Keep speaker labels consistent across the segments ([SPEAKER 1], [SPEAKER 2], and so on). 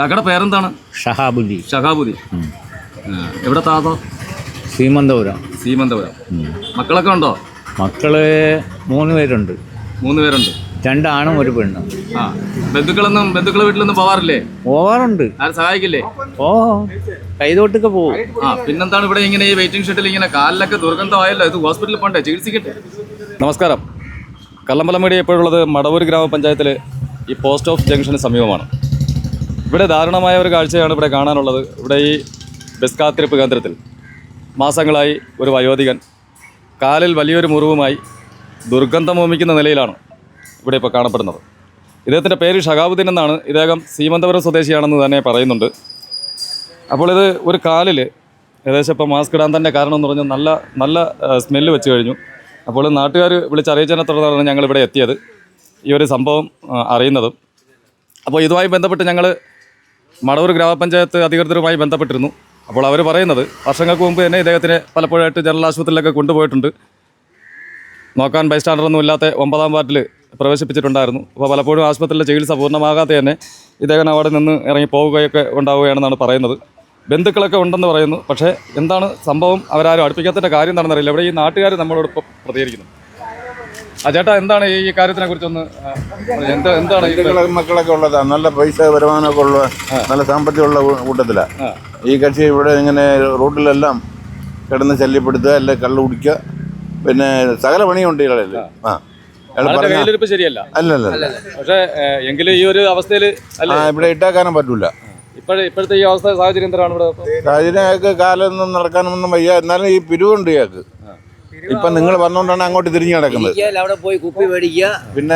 [SPEAKER 1] കാക്കയുടെ പേരെന്താണ്?
[SPEAKER 2] ഷഹാബുദ്ദീൻ.
[SPEAKER 1] ഷഹാബുദ്ദീൻ. എവിടെ താതോ?
[SPEAKER 2] സീമന്തപുരം.
[SPEAKER 1] മക്കളൊക്കെ ഉണ്ടോ?
[SPEAKER 2] മക്കള് 3 പേരുണ്ട്.
[SPEAKER 1] 3 പേരുണ്ട്.
[SPEAKER 2] 2 ആണും 1 പെണ്ണും.
[SPEAKER 1] ബന്ധുക്കളെ വീട്ടിലൊന്നും പോവാറില്ലേ?
[SPEAKER 2] പോവാറുണ്ട്.
[SPEAKER 1] ആരും സഹായിക്കില്ലേ?
[SPEAKER 2] കൈതോട്ടൊക്കെ പോകും.
[SPEAKER 1] പിന്നെന്താണ് ഇവിടെ ഇങ്ങനെ ഈ വെയിറ്റിംഗ് ഷെഡിൽ ഇങ്ങനെ കാലിലൊക്കെ ദുർഗന്ധമായല്ലോ? ഇത് ഹോസ്പിറ്റലിൽ പോകണ്ടേ? ചികിത്സിക്കട്ടെ. നമസ്കാരം. കല്ലമ്പലം മീഡിയ ഇപ്പോഴുള്ളത് മടവൂർ ഗ്രാമപഞ്ചായത്തിലെ ഈ പോസ്റ്റ് ഓഫ് ജംഗ്ഷന് സമീപമാണ്. ഇവിടെ ദാരുണമായ ഒരു കാഴ്ചയാണ് ഇവിടെ കാണാനുള്ളത്. ഇവിടെ ഈ ബസ് കാത്തിരിപ്പ് കേന്ദ്രത്തിൽ മാസങ്ങളായി ഒരു വയോധികൻ കാലിൽ വലിയൊരു മുറിവുമായി ദുർഗന്ധം വമിക്കുന്ന നിലയിലാണ് ഇവിടെ ഇപ്പോൾ കാണപ്പെടുന്നത്. ഇദ്ദേഹത്തിൻ്റെ പേര് ഷഹാബുദ്ദീൻ എന്നാണ്. ഇദ്ദേഹം സീമന്തപുരം സ്വദേശിയാണെന്ന് തന്നെ പറയുന്നുണ്ട്. അപ്പോൾ ഇത് ഒരു കാലിൽ ഏകദേശം ഇപ്പോൾ മാസ്ക് ഇടാൻ തന്നെ കാരണം എന്ന് പറഞ്ഞാൽ നല്ല സ്മെല്ല് വെച്ച് കഴിഞ്ഞു. അപ്പോൾ നാട്ടുകാർ വിളിച്ചറിയിച്ചതിനെ തുടർന്നാണ് ഞങ്ങളിവിടെ എത്തിയത്, ഈ ഒരു സംഭവം അറിയുന്നതും. അപ്പോൾ ഇതുമായി ബന്ധപ്പെട്ട് ഞങ്ങൾ മടവൂർ ഗ്രാമപഞ്ചായത്ത് അധികൃതരുമായി ബന്ധപ്പെട്ടിരുന്നു. അപ്പോൾ അവർ പറയുന്നത് വർഷങ്ങൾക്ക് മുമ്പ് തന്നെ ഇദ്ദേഹത്തിനെ പലപ്പോഴായിട്ട് ജനറൽ ആശുപത്രിയിലൊക്കെ കൊണ്ടുപോയിട്ടുണ്ട്. നോക്കാൻ ബൈസ്റ്റാൻഡറൊന്നും ഇല്ലാത്ത 9ാം വാർഡിൽ പ്രവേശിപ്പിച്ചിട്ടുണ്ടായിരുന്നു. അപ്പോൾ പലപ്പോഴും ആശുപത്രിയിലെ ചികിത്സ പൂർണ്ണമാകാതെ തന്നെ ഇദ്ദേഹം അവിടെ നിന്ന് ഇറങ്ങി പോവുകയൊക്കെ ഉണ്ടാവുകയാണെന്നാണ് പറയുന്നത്. ബന്ധുക്കളൊക്കെ ഉണ്ടെന്ന് പറയുന്നു. പക്ഷേ എന്താണ് സംഭവം അവരാരും അടുപ്പിക്കാത്തതിൻ്റെ കാര്യം എന്താണെന്ന് അറിയില്ല. ഇവിടെ ഈ നാട്ടുകാർ നമ്മളോടൊപ്പം പ്രതികരിക്കുന്നു. ചേട്ടാ, എന്താണ് ഈ കാര്യത്തിനെ കുറിച്ചൊന്ന് എന്താണ്?
[SPEAKER 3] മക്കളൊക്കെ ഉള്ളതാണ്, നല്ല പൈസ വരുമാനമൊക്കെ ഉള്ള, നല്ല സാമ്പത്തികമുള്ള കൂട്ടത്തിലാണ് ഈ കക്ഷി. ഇവിടെ ഇങ്ങനെ റോഡിലെല്ലാം കിടന്ന് ശല്യപ്പെടുത്തുക, അല്ലെ കള്ളു കുടിക്കുക, പിന്നെ സകല പണിയുണ്ട് ഇയാളല്ലേ.
[SPEAKER 1] കയ്യിലിരിപ്പ് ശരിയല്ല.
[SPEAKER 3] അല്ലല്ല,
[SPEAKER 1] പക്ഷേ എങ്കിലും ഈ ഒരു അവസ്ഥയിൽ
[SPEAKER 3] ഇവിടെ ഇട്ടാക്കാനും പറ്റൂല.
[SPEAKER 1] ഇപ്പോഴത്തെ ഈ അവസ്ഥ സാഹചര്യം എന്താണ്? ഇവിടെ
[SPEAKER 3] സാഹചര്യം അയാൾക്ക് കാലൊന്നും നടക്കാനൊന്നും വയ്യ. എന്നാലും ഈ പിരിവുണ്ട് ഇയാൾക്ക്. ഇപ്പൊ നിങ്ങൾ വന്നോണ്ടാണ് അങ്ങോട്ട് തിരിഞ്ഞു കിടക്കുന്നത്. പിന്നെ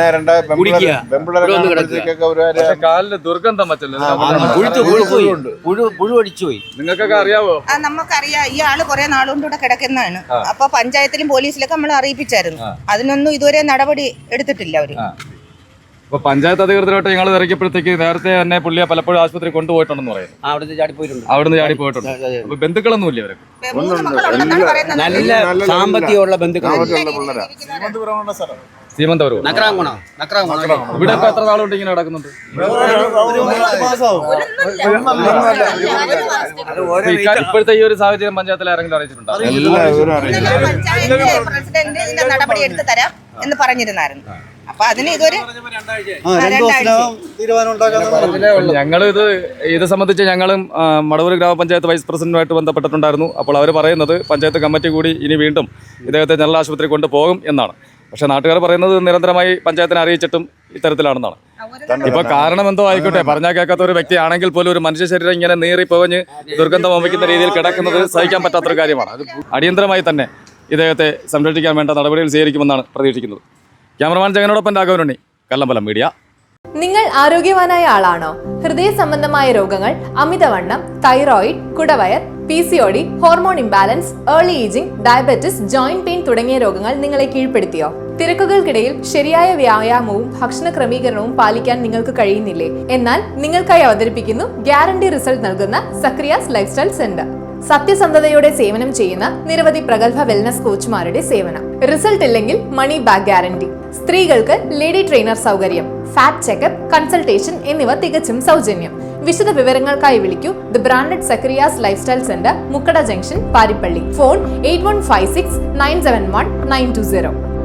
[SPEAKER 1] കാലിന് ദുർഗന്ധം നിങ്ങൾക്കൊക്കെ അറിയാവോ?
[SPEAKER 4] നമുക്കറിയാം. ഈ ആള് കുറെ നാളുകൊണ്ട് ഇവിടെ കിടക്കുന്നതാണ്. അപ്പൊ പഞ്ചായത്തിലും പോലീസിലൊക്കെ നമ്മൾ അറിയിപ്പിച്ചായിരുന്നു. അതിനൊന്നും ഇതുവരെ നടപടി എടുത്തിട്ടില്ല അവര്.
[SPEAKER 1] അപ്പൊ പഞ്ചായത്ത് അധികൃതരായിട്ട് ഞങ്ങൾ ഇറക്കിയപ്പോഴത്തേക്ക് നേരത്തെ തന്നെ പുള്ളിയെ പലപ്പോഴും ആശുപത്രി കൊണ്ടുപോയിട്ടുണ്ടെന്ന് പറയുന്നു. അവിടുന്ന് ചാടി പോയിട്ടുണ്ട്. അപ്പൊ ബന്ധുക്കളൊന്നും ഇല്ല അവർക്ക്?
[SPEAKER 5] നല്ല സാമ്പത്തികമുള്ള ബന്ധുക്കളാണ്.
[SPEAKER 1] സീമന്തപുരം. ഇവിടെ ഇപ്പൊ എത്ര നാളുകൊണ്ട് ഇങ്ങനെ നടക്കുന്നുണ്ട്? ഇപ്പോഴത്തെ ഈ ഒരു സാഹചര്യം പഞ്ചായത്തിൽ ആരെങ്കിലും അറിയിച്ചിട്ടുണ്ടോ?
[SPEAKER 4] പ്രസിഡന്റ് ഇതിന്റെ നടപടി എടുത്തു തരാം എന്ന് പറഞ്ഞിരുന്നായിരുന്നു. അപ്പൊ അതിന് ഇതൊരു
[SPEAKER 1] ഞങ്ങൾ ഇത് സംബന്ധിച്ച് ഞങ്ങളും മടവൂർ ഗ്രാമപഞ്ചായത്ത് വൈസ് പ്രസിഡന്റുമായിട്ട് ബന്ധപ്പെട്ടിട്ടുണ്ടായിരുന്നു. അപ്പോൾ അവർ പറയുന്നത് പഞ്ചായത്ത് കമ്മിറ്റി കൂടി ഇനി വീണ്ടും ഇദ്ദേഹത്തെ ജനറൽ ആശുപത്രി കൊണ്ടുപോകും എന്നാണ്. പക്ഷേ നാട്ടുകാർ പറയുന്നത് നിരന്തരമായി പഞ്ചായത്തിനെ അറിയിച്ചിട്ടും ഇത്തരത്തിലാണെന്നാണ്. ഇപ്പൊ കാരണം എന്തോ ആയിക്കോട്ടെ, പറഞ്ഞാൽ കേൾക്കാത്ത ഒരു വ്യക്തിയാണെങ്കിൽ പോലും ഒരു മനുഷ്യ ശരീരം ഇങ്ങനെ നീറിപ്പോവഞ്ഞ് ദുർഗന്ധം വമിക്കുന്ന രീതിയിൽ കിടക്കുന്നത് സഹിക്കാൻ പറ്റാത്തൊരു കാര്യമാണ്. അത് അടിയന്തരമായി തന്നെ ഇദ്ദേഹത്തെ സംരക്ഷിക്കാൻ വേണ്ട നടപടികൾ സ്വീകരിക്കുമെന്നാണ് പ്രതീക്ഷിക്കുന്നത്. ക്യാമറമാൻ ജഗനോടൊപ്പം രാഘവനുണ്ണി, കല്ലമ്പലം മീഡിയ.
[SPEAKER 6] നിങ്ങൾ ആരോഗ്യവാനായ ആളാണോ? ഹൃദയ സംബന്ധമായ രോഗങ്ങൾ, അമിതവണ്ണം, തൈറോയിഡ്, കുടവയർ, PCOD, hormone imbalance, early ageing, diabetes, joint pain തുടങ്ങിയ രോഗങ്ങൾ നിങ്ങളെ കീഴ്പ്പെടുത്തിയോ? തിരക്കുകൾക്കിടയിൽ ശരിയായ വ്യായാമവും ഭക്ഷണ ക്രമീകരണവും പാലിക്കാൻ നിങ്ങൾക്ക് കഴിയുന്നില്ലേ? എന്നാൽ നിങ്ങൾക്കായി അവതരിപ്പിക്കുന്നു ഗ്യാരണ്ടി റിസൾട്ട് നൽകുന്ന സക്രിയാസ് ലൈഫ് സ്റ്റൈൽ സെന്റർ. സത്യസന്ധതയോടെ സേവനം ചെയ്യുന്ന നിരവധി പ്രഗത്ഭ വെൽനസ് കോച്ചുമാരുടെ സേവനം. റിസൾട്ട് ഇല്ലെങ്കിൽ മണി ബാക്ക് ഗ്യാരണ്ടി. സ്ത്രീകൾക്ക് ലേഡി ട്രെയിനർ സൗകര്യം, ഫാറ്റ് ചെക്കപ്പ്, കൺസൾട്ടേഷൻ എന്നിവ തികച്ചും സൗജന്യം. വിശദ വിവരങ്ങൾക്കായി വിളിക്കൂ the branded Sakriyas life style centre, Mukkada junction, Parippally. Phone 8156 971 920.